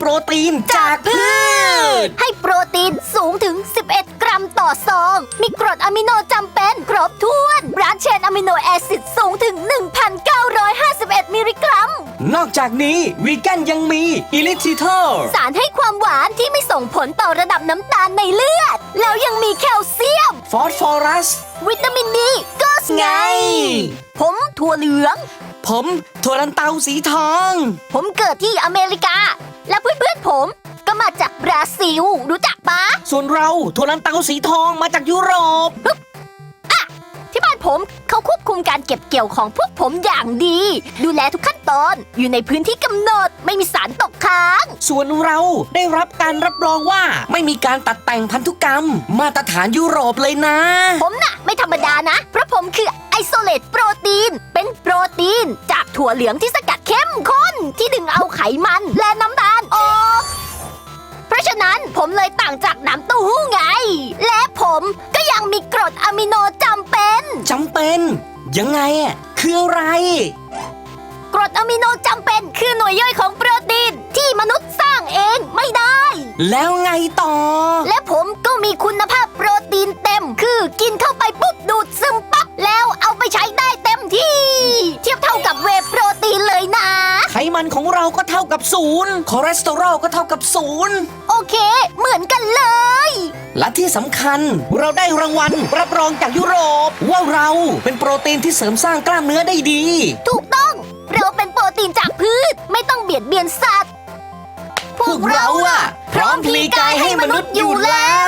รตีนจากพืชให้โปรตีนสูงถึง 11 กรัมต่อซอง มีกรดอะมิโนจำเป็นครบถ้วนบรานช์เชนอะมิโนแอซิดสูงถึง 1,951 มิลลิกรัมนอกจากนี้วีแกนยังมีอิลิทิทอลสารให้ความหวานที่ไม่ส่งผลต่อระดับน้ำตาลในเลือด แล้วยังมีแคลเซียมฟอสฟอรัสวิตามินดีก็ไง ผมถั่วเหลืองผมถั่วลันเตาสีทองผมเกิดที่อเมริกา และเพื่อนๆผมก็มาจากบราซิล รู้จักปะส่วนเราถั่วลันเตาสีทองมาจากยุโรปที่บ้านผมเขาควบคุมการเก็บเกี่ยวของพวกผมอย่างดี ดูแลทุกขั้นตอนอยู่ในพื้นที่กำหนดไม่มีสารตกค้างส่วนเราได้รับการรับรองว่าไม่มีการตัดแต่งพันธุกรรม มาตรฐานยุโรปเลยนะผมน่ะไม่ธรรมดานะ เพราะผมคือไอโซเลตโปรตีนเป็นโปรตีนจากถั่วเหลืองที่สกัดเข้มข้นที่ดึงเอาไขมันและน้ำตาลออกเพราะฉะนั้นผมเลยต่างจากน้ำเต้าหู้ไง และผมก็ยังมีกรดอะมิโนจำเป็นยังไงอะคืออะไรกรดอะมิโนจำเป็นคือหน่วยย่อยของโปรตีนที่มนุษย์สร้างเองไม่ได้แล้วไงต่อและผมก็มีคุณภาพโปรตีนเต็มคือกินเข้าไปปุ๊บดูดซึมปั๊บแล้วเอาไปใช้ได้เต็มที่เทียบเท่ากับเวย์โปรตีนเลยนะไขมันของเราก็เท่ากับ0คอเลสเตอรอลก็เท่ากับ0 โอเคเหมือนกันเลยและที่สำคัญเราได้รางวัลรับรองจากยุโรปว่าเราเป็นโปรตีนที่เสริมสร้างกล้ามเนื้อได้ดีถูกต้องเราเป็นโปรตีนจากพืชไม่ต้องเบียดเบียนสัตว์พวกเราอะพร้อมพลีกายให้มนุษย์อยู่แล้ว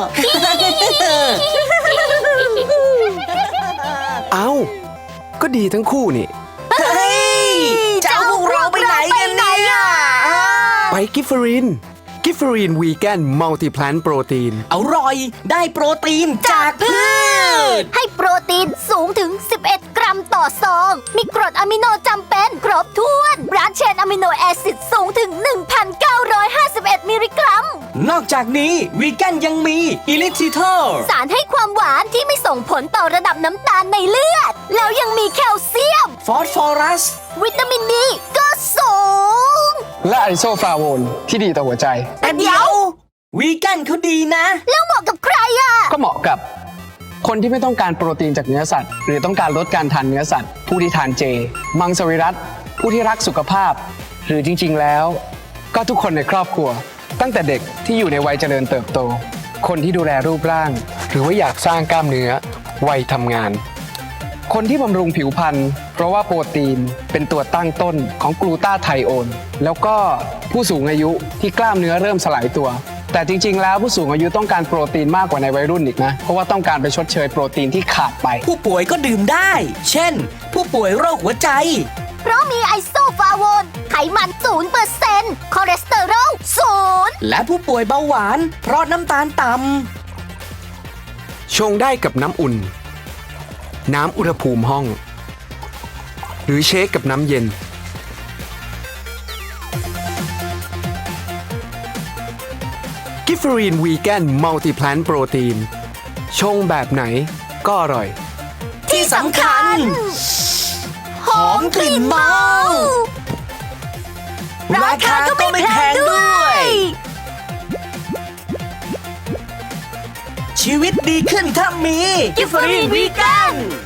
เอ้าก็ดีทั้งคู่นี่เฮ้ยจะเอาพวกเราไปไหนกันเนี่ยไปกิฟเฟอรีนวีแกนมัลติแพลนโปรตีนอร่อยได้โปรตีนจากพืชให้โปรตีนสูงถึง 11 กรัมต่อซอง มีกรดอะมิโนจำเป็นครบถ้วนบรานช์เชนอะมิโนแอซิดสูงถึง 1,951 มิลลิกรัมนอกจากนี้วีแกนยังมีอิลิทิทอลสารให้ความหวานที่ไม่ส่งผลต่อระดับน้ำตาลในเลือด แล้วยังมีแคลเซียมฟอสฟอรัสวิตามินดีก็สูงและไอโซฟลาโวนที่ดีต่อหัวใจแต่เดี๋ยววีแกนเขาดีนะแล้วเหมาะกับใครอ่ะก็เหมาะกับคนที่ไม่ต้องการโปรตีนจากเนื้อสัตว์หรือต้องการลดการทานเนื้อสัตว์ผู้ที่ทานเจมังสวิรัติผู้ที่รักสุขภาพหรือจริงๆแล้วก็ทุกคนในครอบครัวตั้งแต่เด็กที่อยู่ในวัยเจริญเติบโตคนที่ดูแลรูปร่างหรือว่าอยากสร้างกล้ามเนื้อวัยทำงานคนที่บำรุงผิวพรรณเพราะว่าโปรตีนเป็นตัวตั้งต้นของกลูตาไทโอนแล้วก็ผู้สูงอายุที่กล้ามเนื้อเริ่มสลายตัวแต่จริงๆแล้วผู้สูงอายุต้องการโปรตีนมากกว่าในวัยรุ่นอีกนะเพราะว่าต้องการไปชดเชยโปรตีนที่ขาดไปผู้ป่วยก็ดื่มได้เช่นผู้ป่วยโรคหัวใจเพราะมีไอโซฟลาโวนไขมัน 0% คอเลสเตอรอล 0 และผู้ป่วยเบาหวานเพราะน้ำตาลต่ำชงได้กับน้ำอุ่นน้ำอุณหภูมิห้องหรือเชคกับน้ำเย็นกิฟเฟอรีนวีแกนมัลติแพลนโปรตีนชงแบบไหนก็อร่อยที่สำคัญหอมกลิ่นเมาราคาก็ไม่แพงด้วยชีวิตดีขึ้นถ้ามีกิฟเฟอรีนวีแกน